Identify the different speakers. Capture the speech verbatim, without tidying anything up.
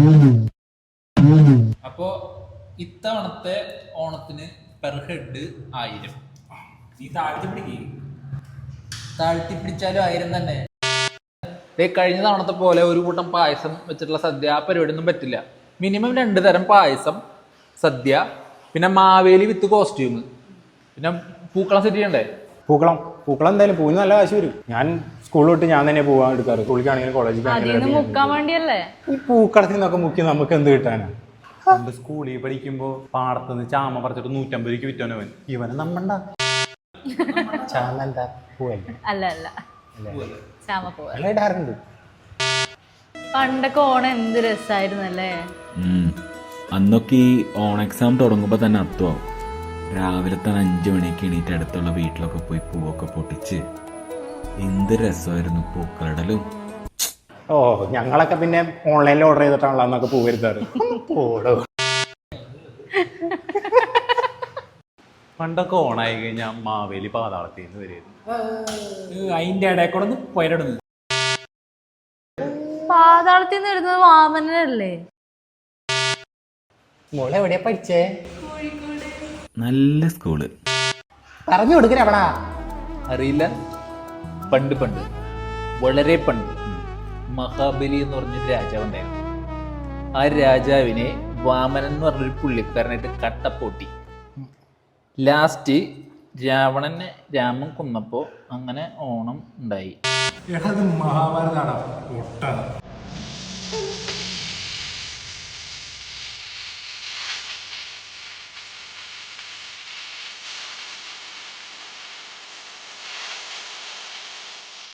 Speaker 1: അപ്പോ ഇത്തവണത്തെ ഓണത്തിന് പെർ ഹെഡ് ആയിരം.
Speaker 2: നീ താഴ്ത്തി പിടിക്കേ.
Speaker 1: താഴ്ത്തി പിടിച്ചാലും ആയിരം തന്നെ. കഴിഞ്ഞ തവണത്തെ പോലെ ഒരു കൂട്ടം പായസം വെച്ചിട്ടുള്ള സദ്യ ആ പരിപാടിയൊന്നും പറ്റില്ല. മിനിമം രണ്ട് തരം പായസം, സദ്യ, പിന്നെ മാവേലി വിത്ത് കോസ്റ്റ്യൂം, പിന്നെ പൂക്കളം സെറ്റ് ചെയ്യണ്ടേ?
Speaker 3: പൂക്കളം പൂക്കളം എന്തായാലും പൂവിന് നല്ല കാശ് വരും. ഞാൻ സ്കൂളിൽ വിട്ട് ഞാൻ തന്നെ പോകാൻ എടുക്കാറ്. സ്കൂളിലേക്കാണെങ്കിലും കോളേജിലാണെങ്കിലും. ഈ പൂക്കളത്തിൽ നിന്നൊക്കെ മുക്കി നമുക്ക് എന്ത് കിട്ടാനാ?
Speaker 2: പണ്ട് സ്കൂളിൽ പഠിക്കുമ്പോ പാടത്തുനിന്ന് ചാമ പറിച്ചിട്ട് നൂറ്റമ്പത് രൂപയ്ക്ക് വിറ്റോനവൻ.
Speaker 3: ഇവനെ നമ്മണ്ട ചാമ എന്താ പൂവല്ലേ?
Speaker 4: അല്ല അല്ല ചാമ പൂവ
Speaker 3: ഇടാറുണ്ട്.
Speaker 4: പണ്ടൊക്കെ ഓണം എന്ത് രസമായിരുന്നല്ലേ.
Speaker 5: അന്നൊക്കെ ഈ ഓൺ എക്സാം തുടങ്ങുമ്പോൾ തന്നെ അർത്ഥമാവും. രാവിലെ തന്നെ അഞ്ചു മണിക്ക് എണീറ്റ് അടുത്തുള്ള വീട്ടിലൊക്കെ പോയി പൂവൊക്കെ പൊട്ടിച്ച് എന്ത് രസമായിരുന്നു പൂക്കളിടലും.
Speaker 3: ഓ ഞങ്ങളൊക്കെ പിന്നെ ഓൺലൈനിൽ ഓർഡർ ചെയ്തിട്ടാണല്ലോ അന്നൊക്കെ പൂ വരുത്താറ്. ഓടോ
Speaker 2: പണ്ടൊക്കെ ഓണായി കഴിഞ്ഞാൽ മാവേലി പാതാളത്തിൽ നിന്ന് വരുമായിരുന്നു.
Speaker 1: അതിന്റെ ഇടയിൽ കൂടെ ഒന്ന് പോയിടുന്നു.
Speaker 4: പാതാളത്തിൽ നിന്ന് വരുന്നത് വാമനല്ലേ?
Speaker 3: മോളെ എവിടെയാ പഠിച്ചേ?
Speaker 5: നല്ല സ്കൂള്.
Speaker 3: പറഞ്ഞു കൊടുക്കണ എവിടാ
Speaker 1: അറിയില്ല. പണ്ട് പണ്ട് വളരെ പണ്ട് മഹാബലി എന്ന് പറഞ്ഞൊരു രാജാവുണ്ടായിരുന്നു. ആ രാജാവിനെ വാമനൻ എന്ന് പറഞ്ഞൊരു പുള്ളിക്കാരനായിട്ട് കട്ടപ്പൊട്ടി. ലാസ്റ്റ് രാവണനെ രാമൻ കൊന്നപ്പോൾ അങ്ങനെ ഓണം ഉണ്ടായി.
Speaker 3: മഹാഭാരതാണ്.